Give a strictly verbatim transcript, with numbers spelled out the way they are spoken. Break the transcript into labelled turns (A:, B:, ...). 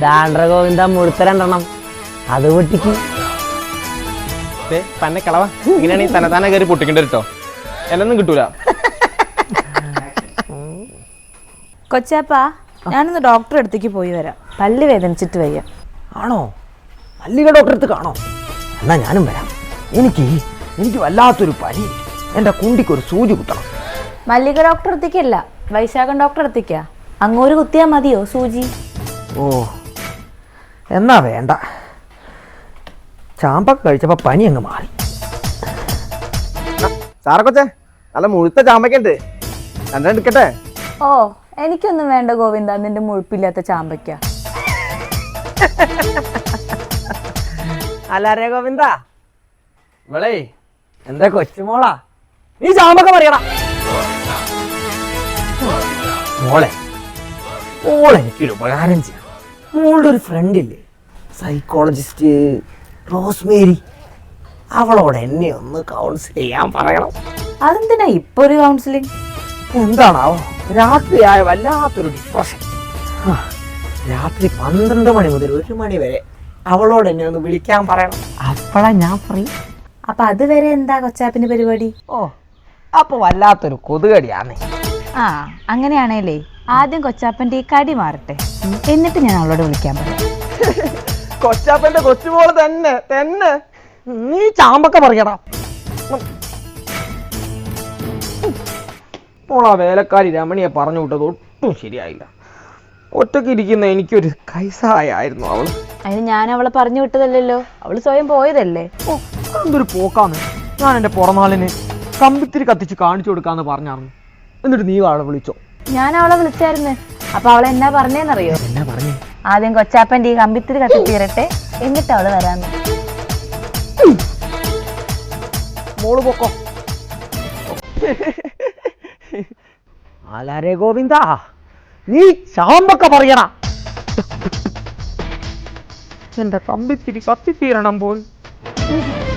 A: ദാണ്ട്ര ഗോവിന്ദ മുഴുത്ത രണ്ടെണ്ണം അത് പൊട്ടിക്ക്.
B: തന്നെ കളവ ഇങ്ങനെയാണെങ്കിൽ തന്നെ തന്നെ കയറി പൊട്ടിക്കേണ്ട കേട്ടോ, എന്നൊന്നും കിട്ടൂല.
C: കൊച്ചാപ്പാ, ഞാനൊന്ന് ഡോക്ടറെ അടുത്തേക്ക് പോയി വരാം. പല്ല് വേദനിച്ചിട്ട് വയ്യ.
A: ആണോ? മല്ലിക ഡോക്ടറെ അടുത്ത് കാണോ? എന്നാ ഞാനും വരാം. എനിക്ക് എനിക്ക് വല്ലാത്തൊരു പനി. എൻ്റെ കുണ്ടിക്കൊരു സൂചി കുത്തണം.
C: മല്ലിക ഡോക്ടറെ അടുത്തേക്കല്ല, വൈശാഖൻ ഡോക്ടറെ അടുത്തേക്കാ. അങ്ങോട്ട് കുത്തിയാൽ മതിയോ സൂചി?
A: ഓ എന്നാ വേണ്ട. ചാമ്പൊക്കെ കഴിച്ചപ്പോൾ പനി അങ്ങ് മാറി.
B: സാറെ കൊച്ചേ, നല്ല മുഴുത്ത ചാമ്പയ്ക്കുണ്ട്, രണ്ടെണ്ണം എടുക്കട്ടെ?
C: ഓ എനിക്കൊന്നും വേണ്ട ഗോവിന്ദ, നിന്റെ മുഴുപ്പില്ലാത്ത ചാമ്പയ്ക്ക.
A: അല്ലാരേ ഗോവിന്ദ, ഇവളേ എന്താ കൊച്ചുമോളാ, നീ ചാമ്പൊക്കെ പറയണ മോളെ. മോളെ എനിക്കൊരു ഉപകാരം ചെയ്യാം. മോളുടെ ഒരു ഫ്രണ്ട് ഇല്ലേ, സൈക്കോളജിസ്റ്റ് റോസ്മേരി, അവളോട് എന്നെ ഒന്ന് കൗൺസിൽ ചെയ്യാൻ പറയണം.
C: അതെന്തിനാ ഇപ്പൊ ഒരു കൗൺസിലിംഗ്?
A: എന്താണാവോ, രാത്രിയായ വല്ലാത്തൊരു ഡിപ്രഷൻ. രാത്രി പന്ത്രണ്ട് മണി മുതൽ ഒരു മണി വരെ അവളോട് എന്നെ ഒന്ന് വിളിക്കാൻ പറയണം. അപ്പോഴാ ഞാൻ പറയും.
C: അപ്പൊ അതുവരെ എന്താ കൊച്ചാപ്പിന്റെ പരിപാടി?
A: ഓ അപ്പൊ വല്ലാത്തൊരു കൊതുകടിയാന്നേ.
C: ആ അങ്ങനെയാണേലേ ആദ്യം കൊച്ചാപ്പന്റെ ഈ കടി മാറട്ടെ, എന്നിട്ട് ഞാൻ അവളോട് വിളിക്കാൻ പറയാം.
B: കൊച്ചാപ്പന്റെ കൊച്ചുമോള് തന്നെ തന്നെ.
A: നീ ചാമ്പൊക്കെ പറയടാ.
B: മോളാ വേലക്കാരി രമണിയെ പറഞ്ഞു വിട്ടത് ഒട്ടും ശരിയായില്ല. ഒറ്റയ്ക്ക് ഇരിക്കുന്ന എനിക്കൊരു കൈസഹായായിരുന്നു അവള്.
C: അതിന് ഞാൻ അവളെ പറഞ്ഞു വിട്ടതല്ലല്ലോ, അവള് സ്വയം പോയതല്ലേ.
B: ഓ എന്തൊരു പോക്കാന്ന്. ഞാൻ എൻ്റെ പുറനാളിന് കമ്പിത്തിരി കത്തിച്ച് കാണിച്ചു കൊടുക്കാന്ന് പറഞ്ഞായിരുന്നു. എന്നിട്ട് നീ അവളെ വിളിച്ചോ?
C: ഞാൻ അവളെ വിളിച്ചായിരുന്നു. അപ്പൊ അവളെ എന്നാ പറഞ്ഞേന്നറിയോ?
A: എന്നാ പറഞ്ഞു?
C: ആദ്യം കൊച്ചാപ്പന്റെ ഈ കമ്പിത്തിരി കത്തിത്തീരട്ടെ, എന്നിട്ട് അവള് വരാന്ന്.
B: മോള് പൊക്കോ.
A: ആലാരേ ഗോവിന്ദ, നീ ചാമ്പൊക്കെ പറയണ.
B: എന്റെ കമ്പിത്തിരി കത്തിത്തീരണം പോൽ.